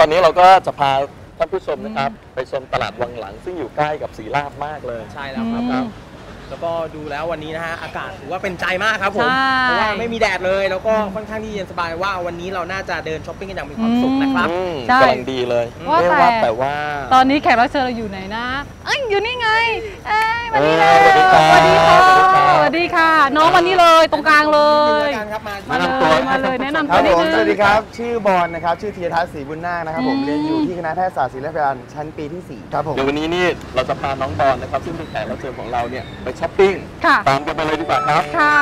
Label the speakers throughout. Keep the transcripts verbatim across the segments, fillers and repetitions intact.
Speaker 1: ตอนนี้เราก็จะพาท่านผู้ชมนะครับไปชมตลาดวังหลังซึ่งอยู่ใกล้กับศรีราชมากเลย
Speaker 2: ใช่แล้วครับแล้วก็ดูแล้ววันนี้นะฮะอากาศถือว่าเป็นใจมากครับผมเพราะว่าไม่มีแดดเลยแล้วก็ค่อนข้างที่เย็นสบายว่าวันนี้เราน่าจะเดินช้อปปิ้งกันอย่างมีความสุขนะครับ
Speaker 1: กำลังดีเลยว่าแต่แต่ว่า
Speaker 3: ตอนนี้แขกรับเชิญเราอยู่ไหนนะเอ้ยอยู่นี่ไงเอ้ยวันนี้เลยส
Speaker 1: วัส
Speaker 3: ดีค่ะสวัสดีค่ะน้องวันนี้เลยตรงกลางเลย
Speaker 1: มาแนะนำตัว
Speaker 3: มาเลยแนะนำตัวนิดนึง
Speaker 4: สวัสดีครับชื่อบอลนะครับชื่อธีรทัศน์ศรีบุญนาคนะครับผมเรียนอยู่ที่คณะแพทยศาสตร์ศิริราชพยาบาลชั้นปีที่สี่ครับผม
Speaker 1: เดี๋ยววันนี้นี่เราจะพาน้องบอลนะครับซึ่งเป็นแขกรับเชิญของเราเนี่ยไปช้อปปิ้งตามกันไปเลยดีกว่าครับ
Speaker 3: ค่ะ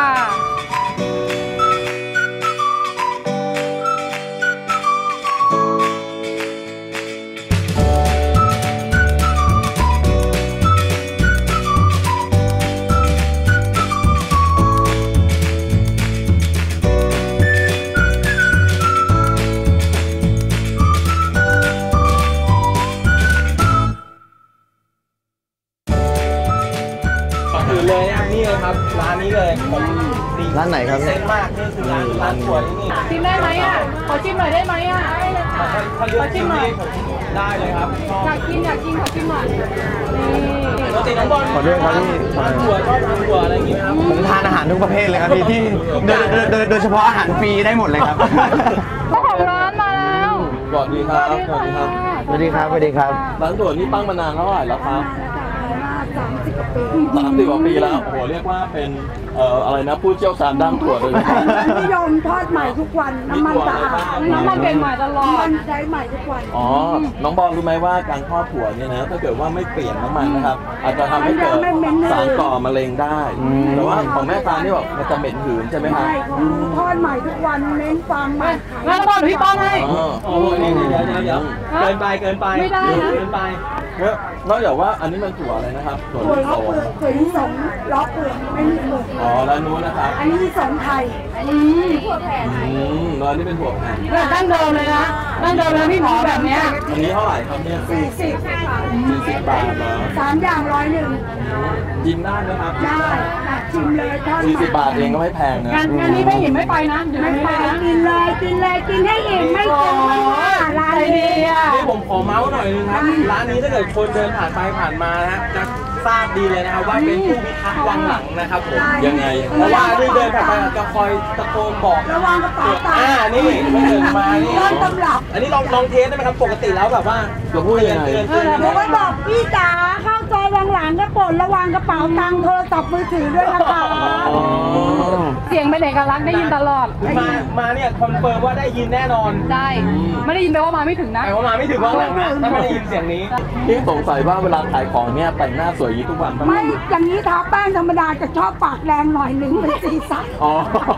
Speaker 2: เลยนะครับนี่เลยครับร้านนี้เลยผม
Speaker 4: ร้านไหนครับ
Speaker 2: เซ็นมากนี่คือร้านร้านถั่วที่นี่
Speaker 3: ชิมได้ไหมอ่ะขอชิมหน่อยได้ไหมอ่ะได้เลยค่ะ
Speaker 2: ขอชิมหน่อยได้เลยครับ
Speaker 3: อยากกินอยากกินขอชิมหน่อยนี่
Speaker 2: ปกติน้องบอล
Speaker 4: ขอด้วยครับพี่
Speaker 2: ทานถั่วชอบทานถั่วอะไรอย่างงี้ไหมครับ
Speaker 4: ผมทานอาหารทุกประเภทเลยครับพี่ที่โดยโดยเฉพาะอาหารฟรีได้หมดเลยครับ
Speaker 3: เจ้าของร้านมาแล้ว
Speaker 1: สวัสดีครับสวัสดีครับ
Speaker 4: สวัสดีครับสวัสดีครับ
Speaker 1: ร้านถั่วนี่ตั้งมานานเท่าไหร่แล้วครับสามสิบกว่าปีสามสิบกว่าปีแล้วโอ้โหเรียกว่าเป็นเอ่ออะไรนะผู้เชี่ยวชาญด้านถั่วเลย
Speaker 5: นิยมทอดใหม่ทุกวันน้ำมันสะอาด
Speaker 3: น้ำมันเป็นใหม่ตลอด
Speaker 5: มันใช้ใหม่ทุกวัน
Speaker 1: อ๋อน้องบอลรู้ไหมว่าการทอดถั่วเนี่ยนะถ้าเกิดว่าไม่เปลี่ยนน้ำมันนะครับอาจจะทำให้เกิดสารก่อมะเร็งได้แต่ว่าของแม่ตานี่บอกมันจะเหม็นหืนใช่ไหมครับ
Speaker 5: ใช่ทอดใหม่ทุกวันเน้นความใหม่
Speaker 3: งั้นบอลพี่ป้อนให้
Speaker 2: โอ้โหนี่เดี๋ยวเดี๋ยวเดี๋ยวเกินไปเกินไป
Speaker 3: ไม่ได้
Speaker 2: เกินไป
Speaker 1: นอกจากว่าอันนี้มันถั่วอะไรนะครับ
Speaker 5: ถั่วล้อเปลือกถั่วลิสงล้อเปลือกไม่มีเปลือก
Speaker 1: อ๋อแล้วนู้นนะครับ
Speaker 5: อันนี้ลิสงไทยอันนี้ถั่วแผ่น
Speaker 1: อืมแล้วนี่เป็นถั่วแผ่น
Speaker 3: ดั้งเดิมเลยนะดั้งเดิมเลยพี่หมอแบบนี้
Speaker 1: อันนี้เท่าไหร่ครับเนี่ย
Speaker 5: สี่สิบ
Speaker 1: สี่สิบบาทเหรอ
Speaker 5: สามอย่างร้อยหนึ่ง
Speaker 1: กินได้นะครับ
Speaker 5: ได้ชิมเลยทอด
Speaker 1: สี่สิบบาทเองก็ไม่แพงนะ
Speaker 3: งานงานนี้ไม่อิ่มไม่ไปนะ
Speaker 5: ไม่ไปกินเลยกินเลยกินให้อิ่มไม่เกินร้าน
Speaker 3: นี้
Speaker 2: นี่ผมขอเมาส์หน่อยนึงครับร้านนี้ถ้าเกิดคนเดินผ่านไปผ่านมานะจะทราบดีเลยนะครับว่าเป็นผู้พิทักษ์วังหลังนะครับผม
Speaker 1: ยังไง
Speaker 2: เพราะว่าที่เดินผ่านไปจะคอยตะโกนบอก
Speaker 5: ระวังกระเป๋าตังค์
Speaker 2: อ่านี่ไม่เดินมานี่
Speaker 5: ต้นตำรับ
Speaker 2: อันนี้ลองลองเทสได้ไหมครับปกติแล้วแบบว่า
Speaker 1: เราพูดยังไง
Speaker 5: ผมก็บอกพี่จ๋าเข้าซอยวังหลังก็โปรดระวังกระเป๋าตังค์โทรศัพท์มือถือด้วยนะคะ
Speaker 3: เสียงเป็นเอกลักษณ์ได้ยินตลอด
Speaker 2: มามาเนี่ยคอนเฟิร์มว่าได้ยินแน่นอน
Speaker 3: ได้ไม่ได้ยินแปลว่ามาไม่ถึงนะ
Speaker 2: แปลว่ามาไม่ถึงวังหลังนะถ้าไม่ได้ยินเสียงนี้
Speaker 1: พี่สงสัยว่าเวลาขายของเนี่ยแต่งหน้าสวยยี่ทุกวัน
Speaker 5: ไม่อย่างนี้ทาแป้งธรรมดาจะชอบปากแรงหน่อยหนึ่งเป็นสีสัน
Speaker 1: อ๋อ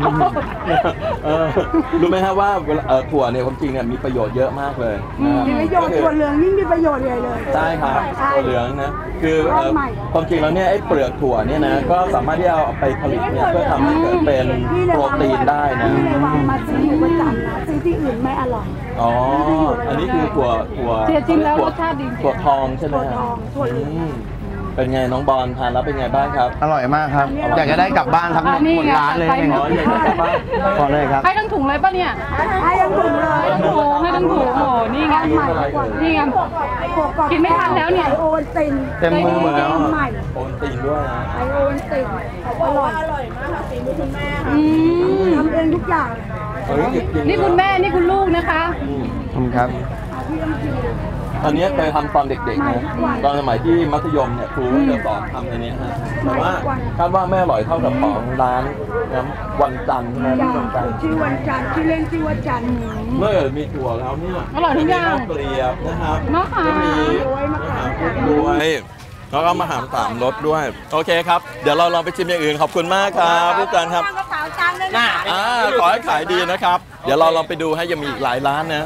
Speaker 1: รู้ไหมฮะว่าถั่วเนี่ยความจริงเนี่ยมีประโยชน์เยอะมากเลย
Speaker 5: มีประโยชน์ถั่วเหลืองยิ่งมีประโยชน์ใหญ่เลย
Speaker 1: ใช่ครับถั่วเหลืองนะคือความจริงแล้วเนี่ยไอ้เปลือกถั่วเนี่ยนะก็สามารถที่จะเอาไปผลิตเนี่ยเพื่อทำให้เกิดเป็นโปรตีนได้นะ
Speaker 5: ที่ในวังมาซื้ออยู่ประจำนะซื้อที่อื่นไม่อร่อย
Speaker 1: อ๋ออันนี้คือถั่วถั่ว
Speaker 3: จริงแล้วรสชาติดี
Speaker 1: ถั่วทองใช่ไหม
Speaker 5: ถั่วทองถั่วเหลือง
Speaker 1: เป็นไงน้องบอลทานแล้วเป็นไงบ้างครับ
Speaker 4: อร่อยมากครับอยากจะได้กลับบ้านทั้งหมดร้านเลย
Speaker 1: นะครับอยากได้กลับบ้าน
Speaker 4: ขอเลยครับ
Speaker 3: ให้ทั้งถุงเลยป่ะเนี่ย
Speaker 5: ให้ทั้งถุงเลย
Speaker 3: ให้ทั้งถุงให้ทั้งถุงโอ้นี่ไงนี่ไงกินไม่ทันแล้วเนี่ย
Speaker 5: โอนติน
Speaker 4: เต็มมือหมดแล้ว
Speaker 1: โอนตินด้วยนะ
Speaker 5: ไอโอนตินอร่อยอร่อยมากค่ะตินคุณแม่ทำเองทุกอย่าง
Speaker 3: นี่คุณแม่นี่คุณลูกนะคะ
Speaker 4: ขอบคุณครับ
Speaker 1: อันนี้เคยทำตอนเด็กๆนะตอนสมัยที่มัธยมเนี่ยครูก็จะสอนทำอันนี้ฮะแต่ว่าคาดว่าไม่อร่อยเท่ากับของร้านน้ำวันจันทร์นะ
Speaker 5: วันจันทร์ชื่อวันจันทร์ชื่อเล่นชื่อวันจันทร์
Speaker 1: เมื่อมีถั่วแล้วเนี่ย
Speaker 3: อร่อยทุกอย่าง
Speaker 1: เปรียบนะครับ
Speaker 3: ก็
Speaker 1: มีด้วยแล้วก็มาหามสามรสด้วยโอเคครับเดี๋ยวเราลองไปชิมอย่างอื่นขอบคุณมากครับผู้การครับอ่าขอให้ขายดีนะครับเดี๋ยวเราลองไปดูให้ยังมีอีกหลายร้านนะ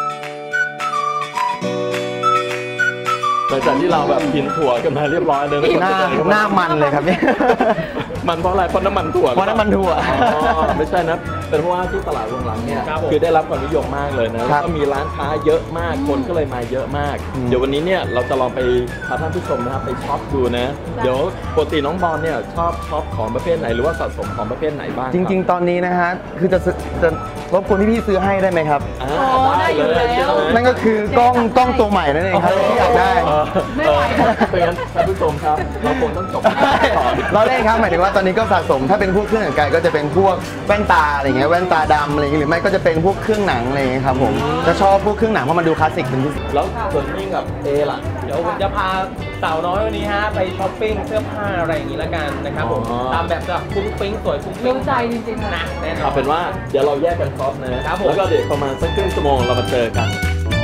Speaker 1: หลังจากที่เราแบบกินถั่วกันมาเรียบร้อยเลย
Speaker 4: หน้าหน้ามันเลยครับนี่
Speaker 1: มันเพราะอะไรเพราะน้ำมันถั่ว
Speaker 4: เพราะน้ำมันถั่ว
Speaker 1: อ๋อไม่ใช่นะเป็นเพราะว่าที่ตลาดวังหลังเนี่ย
Speaker 2: ครับผม
Speaker 1: คือได้รับความนิยมมากเลยนะแล้วก็มีร้านค้าเยอะมากคนก็เลยมาเยอะมาก เดี๋ยววันนี้เนี่ยเราจะลองไปพาท่านผู้ชมนะครับไปช็อปดูนะเดี๋ยวปกติน้องบอลเนี่ยชอบช็อปของประเภทไหนหรือว่าสะสมของประเภทไหนบ้าง
Speaker 4: จริง ๆ ตอนนี้นะฮะคือจะซื้อจะรบกวนพี่ๆซื้อให้ได้ไหมครับ
Speaker 1: ๆอ่าได้เลยใช่ไหม
Speaker 4: นั่นก็คือกล้องกล้องตัวใหม่นั่นเองครับที่อยากได้
Speaker 3: ไม่ไหว
Speaker 1: เพราะงั้นท่านผู้ชมครับเราคงต้องจบต่อ
Speaker 4: เราเล่นครับหมายถึงว่าตอนนี้ก็สะสมถ้าเป็นพวกเครื่องแต่งกายก็จะเป็นพวกแว่นตาอะไรเงี้ยแว่นตาดำอะไรเงี้ยหรือไม่ก็จะเป็นพวกเครื่องหนังอะไรเงี้ยครับผมจะชอบพวกเครื่องหนังเพราะมันดูคลาสสิกเป็นพิเศษ
Speaker 1: แล้วส่วนนี้กับเอล่ะ
Speaker 2: เดี๋ยวผมจะพาสาวน้อยวันนี้ฮะไปช้อปปิ้งเสื้อผ้าอะไรอย่างนี้ละกันนะครับผม
Speaker 1: อ๋อ
Speaker 2: ตามแบบแบบฟุ้งฟิ้งสวยฟุ้งฟิ้ง
Speaker 3: รู้ใจจริงๆ
Speaker 2: นะ
Speaker 3: นะ
Speaker 2: แน่นอ
Speaker 1: เอา
Speaker 2: น
Speaker 1: เป็นว่าเดี๋ยวเราแยกกันช็อปนะครับ
Speaker 2: ผม
Speaker 1: แล้วก็เดี๋ยวประมาณสักครึ่งชั่วโมงเรามาเจอกัน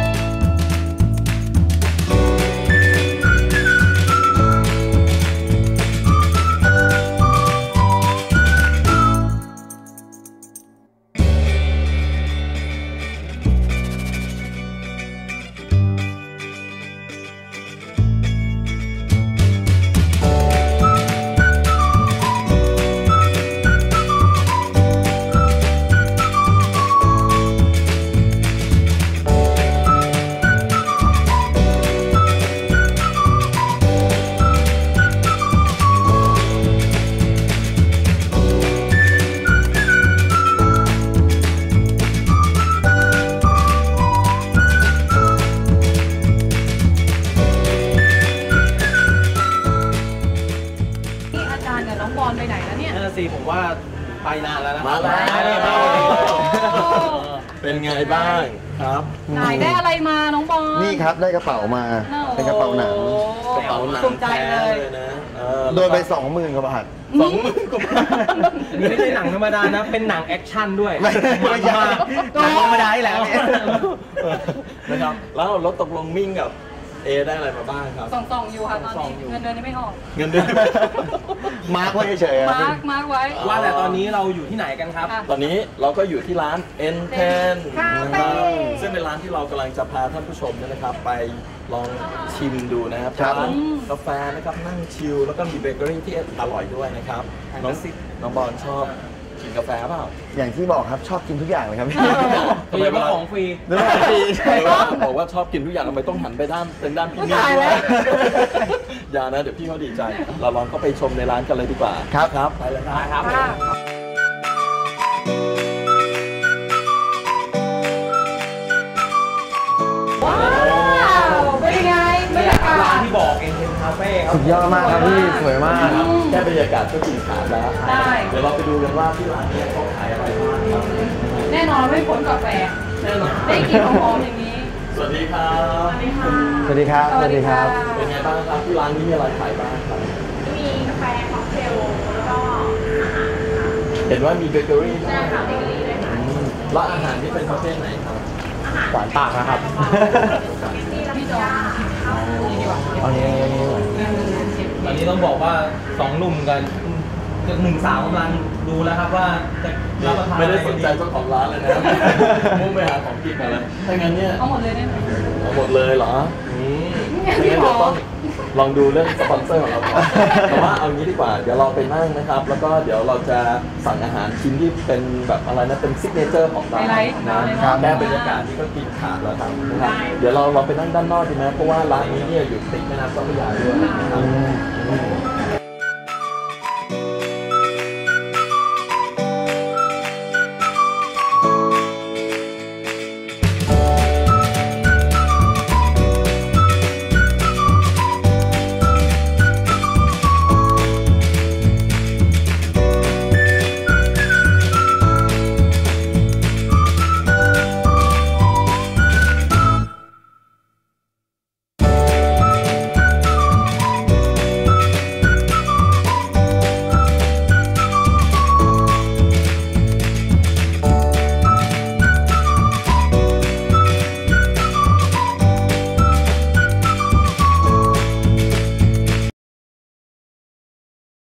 Speaker 3: นี่อาจารย์กับน้องบอลไปไหนแล้วเนี่ย
Speaker 2: นั่นนะสิผมว่าไปนานแล้วนะ
Speaker 1: มาแล้ว
Speaker 2: มาแล้ว
Speaker 1: เป็นไงบ้างครับ
Speaker 3: ไหนได้อะไรมาน้องบอล
Speaker 4: นี่ครับได้กระเป๋ามาเป็นกระเป๋าหนัง
Speaker 1: กระเป๋าหนัง
Speaker 2: ภูมิใจเลย
Speaker 1: แท้นะเออ
Speaker 4: โดนไปสองหมื่นกว่าบาท
Speaker 1: สองหมื่นกว่าบาท
Speaker 2: นี่ไม่ใช่หนังธรรมดานะ เป็นหนังแอคชั่นด้วย
Speaker 4: ไม่ไม่ใช่
Speaker 2: นหนังธรรมดาที่แหละเนี่ย
Speaker 1: นะครับแล้วรถตกลงมิ่งกับเอได้อะไรมาบ้างครับ
Speaker 3: ส่องส่องๆอยู่ค่ะตอน
Speaker 2: ส่อง
Speaker 3: นี้
Speaker 2: อยู่
Speaker 3: เงินเดือนยังไม่ออก
Speaker 1: เงินเดือน
Speaker 4: มาร์กไว้เฉยๆครับ
Speaker 3: มาร์กมาร์กไว้
Speaker 2: ว่าแต่ตอนนี้เราอยู่ที่ไหนกันครับ
Speaker 3: ค่ะ
Speaker 1: ตอนนี้เราก็อยู่ที่ร้าน เอ็น เทน
Speaker 5: คา
Speaker 1: นะ
Speaker 5: เฟ่
Speaker 1: ครับซึ่งเป็นร้านที่เรากำลังจะพาท่านผู้ชมเนี่ยนะครับ ไปลองชิมดูนะครับ
Speaker 4: ครับ
Speaker 1: ร้านกาแฟนะครับนั่งชิลแล้วก็มีเบเกอรี่ที่อร่อยด้วยนะครับน้องน้องบอลชอบกินกาแฟเปล่า
Speaker 4: อย่างที่บอกครับชอบกินทุกอย่างเลยครับ
Speaker 2: โดยเฉพาะของฟรี
Speaker 4: หรือว่าฟรี
Speaker 1: ใช่บอกว่าชอบกินทุกอย่างทำไมต้องหันไปด้านเป็นด้านพี่นี่ด้วยอย่านะเดี๋ยวพี่เขาดีใจ เราลองเข้าไปชมในร้านกันเลยดีกว่า
Speaker 4: ครับ
Speaker 1: ครับไปเลยครับ
Speaker 2: ครับ
Speaker 3: ว้าวเป็นยังไงบรรยากา
Speaker 2: ร้าน
Speaker 3: ศ
Speaker 2: ที่บอกเองเป็นคาเฟ่ครับ
Speaker 4: สุดยอดมากครับพี่สวยมาก
Speaker 1: แค่บรรยากาศก็กินขาดแล้ว
Speaker 3: ได้
Speaker 1: เดี๋ยวเราไปดูกันว่าที่ร้านเนี้เขาขายอะไรบ้างครับ
Speaker 3: แน่นอนไม่พ้นกาแฟ
Speaker 1: แน่นอน
Speaker 3: ได้กินหอมๆอย่างนี้
Speaker 1: สวัสดีครับ
Speaker 3: สวัสดีค่ะ
Speaker 4: สวัสดีครับ สวัสดีครับ
Speaker 1: เป็นไงบ้างครับที่ร้านนี้มีอะไรขายบ้างครับ
Speaker 3: มีกาแฟค็อกเทลแล้วก็
Speaker 1: เห็นว่ามีเบเกอรี่ด้วย
Speaker 3: ใช่ค่ะเบเกอรี่ด้วยค่ะ
Speaker 1: อืมแล้วอาหารที่เป็นประเภทไหนครับ
Speaker 2: หวานปากนะครับ
Speaker 3: พี่จองนี่ดีกว่า
Speaker 4: เอานี้
Speaker 2: ตอนนี้ต้องบอกว่าสองหนุ่มกันหนึ่งสาวกำลังดูแล้วครับว่าจะรับประทาน
Speaker 1: ไม่ได้
Speaker 2: อะ
Speaker 1: ส
Speaker 2: ร
Speaker 1: น
Speaker 2: กั
Speaker 1: ใจเจ้าของร้านเลยนะ มุ่งไปหาของกินมาแล้วถ้างั้นเนี่ย
Speaker 3: เอาหมดเลยได้ไหม
Speaker 1: เอาหมดเลยเหรออืมงั้นเดี๋ยวต้องลองดูเรื่องสปอนเซอร์ของเราก่อนแต่ว่าเอางี้ดีกว่า เดี๋ยวเราไปนั่งนะครับ แล้วก็เดี๋ยวเราจะสั่งอาหารชิ้นที่เป็นแบบอะไรนะ เป็นซิกเนเจอร์ของร้าน
Speaker 3: ไฮไลท์
Speaker 1: นะ
Speaker 3: เลย
Speaker 1: ครั
Speaker 3: เนาะ
Speaker 1: บแค่บรรยากาศนี่ก็กินขาดแล้วครับนะครับ เดี๋ยวเราเราไปนั่งด้านนอกดีไหมเพราะว่าร้านนี้เนี่ยอยู่ติดแม่น้ำเจ้าพระยาด้วยนะครับ